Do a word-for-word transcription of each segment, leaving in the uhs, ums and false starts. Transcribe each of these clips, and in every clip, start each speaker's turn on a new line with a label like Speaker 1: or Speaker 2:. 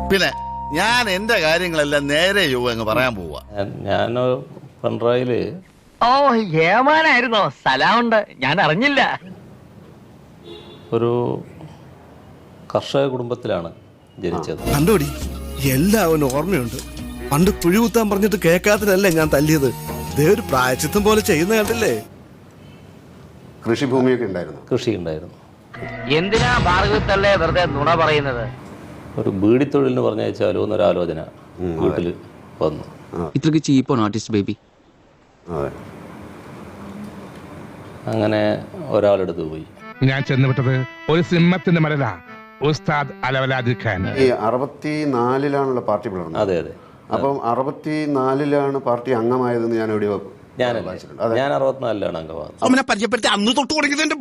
Speaker 1: പിന്നെ ഞാൻ എന്റെ കാര്യങ്ങളെല്ലാം നേരെ യോഗ അങ്ങ് പറയാൻ പോവാ.
Speaker 2: ഞാൻ പിണറായില്
Speaker 3: ഓ ഏമാനായിരുന്നോ? സ്ഥലമുണ്ട്, ഞാൻ അറിഞ്ഞില്ല.
Speaker 2: ഒരു കർഷക കുടുംബത്തിലാണ് ജനിച്ചത്.
Speaker 4: കണ്ടോടി, എല്ലാവനും ഓർമ്മയുണ്ട്. പണ്ട് കുഴി കുത്താൻ പറഞ്ഞിട്ട് കേൾക്കാത്തതല്ലേ ഞാൻ തല്ലിയത്. ഇതേ ഒരു പ്രായച്ചിത്തം പോലെ ചെയ്യുന്ന കണ്ടില്ലേ.
Speaker 5: കൃഷിഭൂമിയൊക്കെ ഉണ്ടായിരുന്നു.
Speaker 2: കൃഷി ഉണ്ടായിരുന്നു.
Speaker 3: എന്തിനാ ഭാർഗവത്തല്ലേ വെറുതെ നുണ പറയുന്നത്?
Speaker 2: ഒരു ബീഡിത്തൊഴിലിന് പറഞ്ഞയച്ചാലോ എന്നൊരു ആലോചന വീട്ടിൽ വന്നു.
Speaker 6: ഇത്രക്ക് ചീപ്പാണ് ആർട്ടിസ്റ്റ് ബേബി.
Speaker 5: അതെ.
Speaker 2: അങ്ങനെ ഒരാളെടുത്ത് പോയി.
Speaker 7: ഞാൻ ചെന്നുവിട്ടത് ഒരു സിംഹത്തിന്റെ മരല ഉസ്താദ് അലവലാദി ഖാൻ.
Speaker 5: ഈ അറുപത്തിനാലിലാണല്ലോ പാർട്ടി പിളർന്നത്.
Speaker 2: അതെ അതെ.
Speaker 5: അപ്പം അറുപത്തിനാലിലാണ് പാർട്ടി അംഗമായതെന്ന് ഞാൻ എവിടെയോ
Speaker 2: ഞാനല്ലേ ഞാൻ അറുപത്തിനാലിലാണ് അംഗമാകുന്നത്.
Speaker 4: അവനെ പരിചയപ്പെടുത്തി അന്ന് തൊട്ട് തുടങ്ങിയതിന്റെ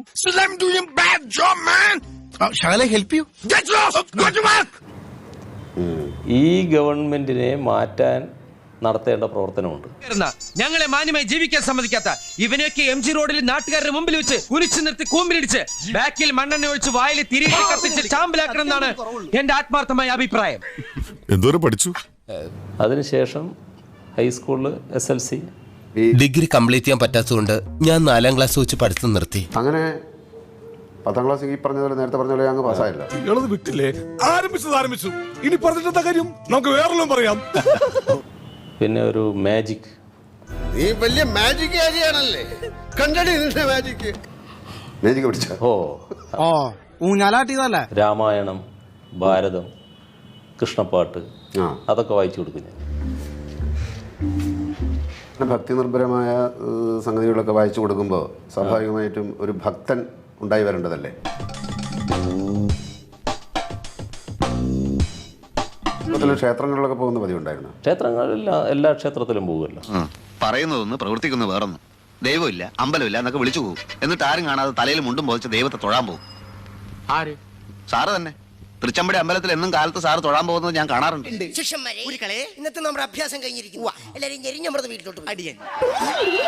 Speaker 2: ഈ ഗവൺമെന്റിനെ മാറ്റാൻ നടത്തേണ്ട പ്രവർത്തനമുണ്ട്.
Speaker 8: ഞങ്ങളെ മാന്യമായി ജീവിക്കാൻ സമ്മതിക്കാത്ത ഇവനെയൊക്കെ എം ജി റോഡിൽ നാട്ടുകാരുടെ മുമ്പിൽ വെച്ച് കുരിച്ചു നിർത്തി കൂമ്പിലിടിച്ച് ബാക്കിൽ മണ്ണെണ്ണ ഒഴിച്ച് വായിൽ തിരികെ കത്തിച്ച് ചാമ്പലാക്കണം എന്നാണ് എന്റെ ആത്മാർത്ഥമായ അഭിപ്രായം.
Speaker 9: എന്തോരം പഠിച്ചു?
Speaker 2: അതിനുശേഷം ഹൈസ്കൂളിൽ S L C
Speaker 10: degree complete ചെയ്യാൻ പറ്റാത്തതുകൊണ്ട് ഞാൻ നാലാം ക്ലാസ് വെച്ച് പഠിത്തം നിർത്തി.
Speaker 5: അങ്ങനെ പത്താം ക്ലാസ് ഈ പറഞ്ഞ പോലെ നേരത്തെ പറഞ്ഞ പോലെ അങ്ങ് പാസ്സായില്ല.
Speaker 9: വിട്ടില്ലേ? ആരംഭിച്ചത് ആരംഭിച്ചു. ഇനി പറഞ്ഞിട്ടെന്താ കാര്യം? നമുക്ക് വേറെല്ലാം പറയാം.
Speaker 2: പിന്നെ ഒരു മാജിക്.
Speaker 1: നീ വലിയ മാജിക് കാര്യാണല്ലേ. കണ്ടടി നിന്റെ മാജിക്.
Speaker 5: മാജിക് പഠിച്ച
Speaker 2: ഓ
Speaker 4: ഓ ഊഞ്ഞാലാട്ടിയതല്ലേ.
Speaker 2: രാമായണം, ഭാരതം, കൃഷ്ണപ്പാട്ട്
Speaker 5: ആ
Speaker 2: അതൊക്കെ വായിച്ചു കൊടുക്കും ഞാൻ.
Speaker 5: ഭക്തി നിർഭരമായ സംഗതികളൊക്കെ വായിച്ചു കൊടുക്കുമ്പോൾ സ്വാഭാവികമായിട്ടും ഒരു ഭക്തൻ ഉണ്ടായി വരേണ്ടതല്ലേ. ക്ഷേത്രങ്ങളിലൊക്കെ പോകുന്ന പതിവുണ്ടായിരുന്നു.
Speaker 2: ക്ഷേത്രങ്ങളില്ല, എല്ലാ ക്ഷേത്രത്തിലും പോകുമല്ലോ.
Speaker 1: പറയുന്നതൊന്ന് പ്രവർത്തിക്കുന്ന വേറൊന്നും. ദൈവമില്ല, അമ്പലമില്ല എന്നൊക്കെ വിളിച്ചു പോകും. എന്നിട്ട് ആരും കാണാതെ തലയിൽ മുണ്ടും പോയിച്ച് ദൈവത്തെ തൊഴാൻ പോകും.
Speaker 8: ആര്?
Speaker 1: സാറ് തന്നെ. തൃച്ചമ്പടി അമ്പലത്തിൽ എന്നും കാലത്ത് സാറ് തൊഴാൻ പോകുന്നത് ഞാൻ കാണാറുണ്ട്.
Speaker 11: ശിഷ്യന്മാരെ ഇന്നത്തെ നമ്മുടെ അഭ്യാസം കഴിഞ്ഞിരിക്കുന്നു. എല്ലാവരും ഞെരിഞ്ഞമൃത വീട്ടിലോട്ട് അടിയൻ